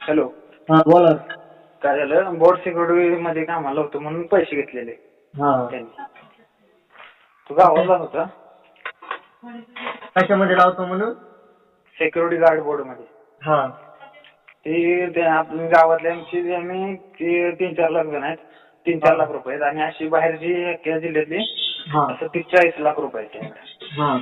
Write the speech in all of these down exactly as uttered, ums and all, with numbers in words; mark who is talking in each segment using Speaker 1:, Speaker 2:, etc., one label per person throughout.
Speaker 1: Hello.
Speaker 2: हा बोला.
Speaker 1: काय झालं, बोर्ड सिक्युरिटी मध्ये कामाला होतो म्हणून पैसे घेतलेले
Speaker 2: हा
Speaker 1: त्यांनी. तू गावाला होता
Speaker 2: कशामध्ये लावतो म्हणून?
Speaker 1: सिक्युरिटी गार्ड बोर्ड मध्ये.
Speaker 2: हा
Speaker 1: ते ते आपल्या गावातल्या आमची आम्ही ते तीन चार लाख जण आहेत, तीन चार लाख रुपये आहेत आणि अशी बाहेरची या जिल्ह्यातली
Speaker 2: हा
Speaker 1: असं तीस चाळीस लाख रुपये आहेत.
Speaker 2: हा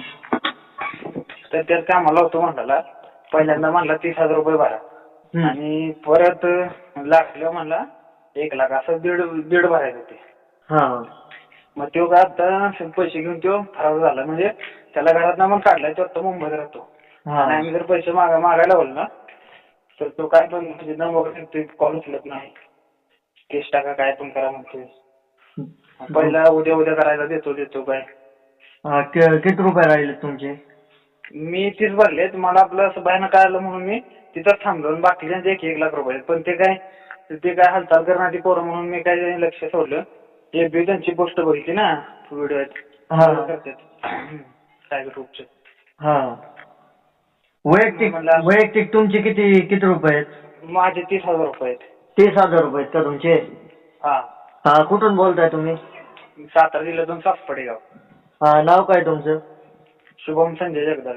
Speaker 1: तर त्यात कामाला होतो म्हणला, पहिल्यांदा म्हणला तीस हजार रुपये भरा
Speaker 2: हम्म.
Speaker 1: आणि परत लागलं म्हणला एक लाख असं दीड दीड भरायचं ते.
Speaker 2: हा
Speaker 1: मग तो काय आता पैसे घेऊन तो फरार झाला, म्हणजे त्याला घरात ना मग काढलाय, तो आता मुंबईत राहतो.
Speaker 2: हा
Speaker 1: आणि आम्ही जर पैसे मागा मागायला बोललो ना तर तो काय पण म्हणजे न वगैरे कॉल उचलत नाही, केस टाका काय पण करा म्हणतोय. पहिला उद्या उद्या करायला देतो देतो काय.
Speaker 2: हा, कि- किती रुपये राहिले तुमचे?
Speaker 1: मी तीच भरलेत, मला आपलं असं बाहेर कळालं म्हणून मी तिथंच थांबलो आणि बाकीच्यांचे एक एक लाख रुपये. पण ते काय ते काय हालचाल करणारी पोरं म्हणून मी काय लक्ष सोडलं. ते बी त्यांची पोस्ट बघितली ना व्हिडिओ
Speaker 2: हा.
Speaker 1: करतात टायगर ग्रुपचे.
Speaker 2: हा वैयक्तिक
Speaker 1: म्हणलं-
Speaker 2: वैयक्तिक तुमचे किती किती रुपये आहेत?
Speaker 1: माझे तीस हजार रुपये आहेत.
Speaker 2: तीस हजार रुपये आहेत का तुमचे?
Speaker 1: हा.
Speaker 2: हा कुठून बोलताय तुम्ही?
Speaker 1: सातारा जिल्ह्यातून सासपडे गाव.
Speaker 2: हा नाव काय तुमचं?
Speaker 1: शुभम संजय जगदाळे.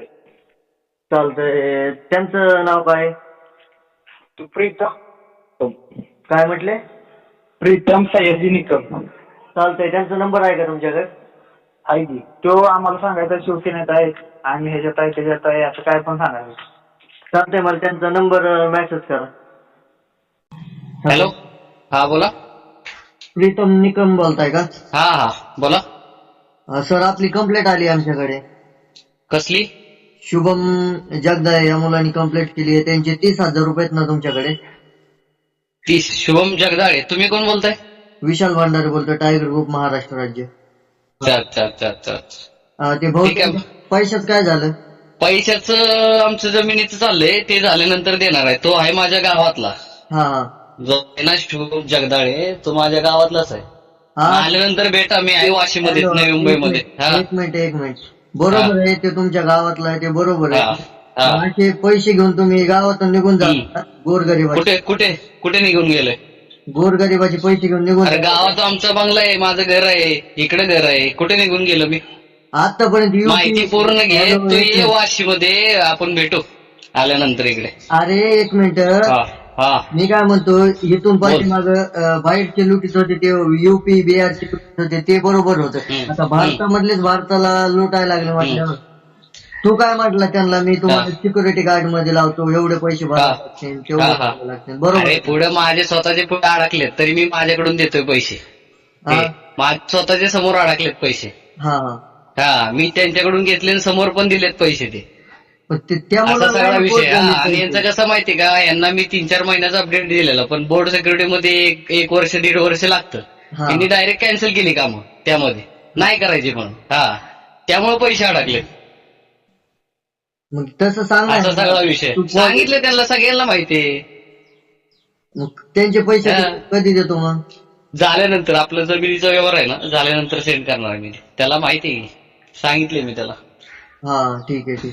Speaker 2: चालतंय. त्यांचं नाव काय?
Speaker 1: तू प्रीतम
Speaker 2: काय म्हटले?
Speaker 1: प्रीतम सयाजी निकम.
Speaker 2: चालतंय. त्यांचा नंबर आहे का तुमच्याकडे?
Speaker 1: आहे की. तो आम्हाला सांगायचा शिवसेनेत आहे, आम्ही ह्याच्यात आहे त्याच्यात आहे असं काय पण सांगायचं.
Speaker 2: चालतंय, मला त्यांचा नंबर मेसेज करा.
Speaker 3: हॅलो. हा बोला.
Speaker 2: प्रीतम निकम बोलताय का?
Speaker 3: हा हा बोला.
Speaker 2: अ, सर आपली कंप्लेंट आली आमच्याकडे.
Speaker 3: कसली?
Speaker 2: शुभम जगदाळे या मुलांनी कंप्लेंट केली आहे. त्यांचे तीस हजार रुपये आहेत ना तुमच्याकडे?
Speaker 3: तीस. शुभम जगदाळे. तुम्ही कोण बोलताय?
Speaker 2: विशाल भांडारे बोलतोय, टायगर ग्रुप महाराष्ट्र राज्य.
Speaker 3: अच्छा अच्छा अच्छा अच्छा अच्छा.
Speaker 2: अ, ते भाऊ
Speaker 3: ठीक आहे.
Speaker 2: पैशाच काय झालं?
Speaker 3: पैशाचं आमचं जमिनीचं चाललंय, ते झाल्यानंतर देणार आहे. तो आहे माझ्या गावातला.
Speaker 2: हा हा
Speaker 3: जो आहे ना शुभम जगदाळे, तो माझ्या गावातलाच आहे.
Speaker 2: हा.
Speaker 3: आल्यानंतर भेटा, मी आहे वाशीमध्ये,
Speaker 2: हॅलो,
Speaker 3: नवी
Speaker 2: एक
Speaker 3: मुंबईमध्ये.
Speaker 2: मिनिट
Speaker 3: हा
Speaker 2: एक मिनिट एक मिनिट. बरोबर आहे, ते तुमच्या गावातलं आहे, ते बरोबर
Speaker 3: हा
Speaker 2: आहे.
Speaker 3: हा.
Speaker 2: असे पैसे घेऊन तुम्ही गावातून निघून जा. गोरगरिबाचे
Speaker 3: कुठे कुठे कुठे निघून गेलोय?
Speaker 2: गोरगरिबाचे पैसे घेऊन निघून
Speaker 3: अरे
Speaker 2: जा.
Speaker 3: गावात आमचा बंगला आहे, माझं घर आहे, इकडे घर आहे. कुठे निघून गेलो मी?
Speaker 2: आतापर्यंत यू
Speaker 3: माहिती
Speaker 2: पी-
Speaker 3: पूर्ण घे.
Speaker 2: हॅलो,
Speaker 3: तू
Speaker 2: एक
Speaker 3: ये
Speaker 2: मिनिट.
Speaker 3: वाशीमध्ये, आपण भेटू आल्यानंतर इकडे.
Speaker 2: अरे एक मिनिट,
Speaker 3: हा हा
Speaker 2: मी काय म्हणतो, इथून पाठीमाग बाहेरचे लुटीत होते ते युपी बिहारचे लुटीत होते ते बरोबर होतं.
Speaker 3: हम्म,
Speaker 2: आता भारतामधलेच भारताला लुटायला लागले म्हटल्यावर तू काय म्हटलं त्यांना, मी तुम्हाला सिक्युरिटी गार्ड मध्ये लावतो, एवढे पैसे भरावे लागतील, तेवढे
Speaker 3: हा, हा.
Speaker 2: भरावे लागतील. बरोबर
Speaker 3: अरे
Speaker 2: आहे.
Speaker 3: पुढे माझे स्वतःचे पुढे अडकलेत, तरी मी माझ्याकडून देतोय पैसे.
Speaker 2: हा
Speaker 3: ते माझे स्वतःचे समोर अडकलेत पैसे.
Speaker 2: हा हा
Speaker 3: हा, मी त्यांच्याकडून घेतले आणि समोर पण दिलेत पैसे ते.
Speaker 2: पण ते- त्या
Speaker 3: असा
Speaker 2: मुलाला
Speaker 3: सगळा विषय.
Speaker 2: कोर्ट
Speaker 3: हा,
Speaker 2: झाली
Speaker 3: आणि
Speaker 2: पैसे.
Speaker 3: यांचं कसं माहितीये का, यांना मी तीन चार महिन्याचा अपडेट दिलेला, पण बोर्ड सिक्युरिटी मध्ये एक एक वर्ष दीड वर्ष लागतं.
Speaker 2: हा.
Speaker 3: यांनी डायरेक्ट कॅन्सल केली कामं त्यामध्ये, नाही करायची म्हणून. हा, त्यामुळे पैसे अडकलेत.
Speaker 2: मग तसं सांग ना.
Speaker 3: असा सगळा विषय
Speaker 2: तू कोर्ट-
Speaker 3: सांगितलं त्यांना, सगळ्यांना माहितीये.
Speaker 2: मग त्यांचे पैसे
Speaker 3: हा.
Speaker 2: कधी देतो मग?
Speaker 3: झाल्यानंतर आपलं जमिनीचा व्यवहार आहे ना, झाल्यानंतर सेंड करणार आहे मी. त्याला माहिती आहे, सांगितले मी त्याला.
Speaker 2: हा ठीक आहे ठीक आहे.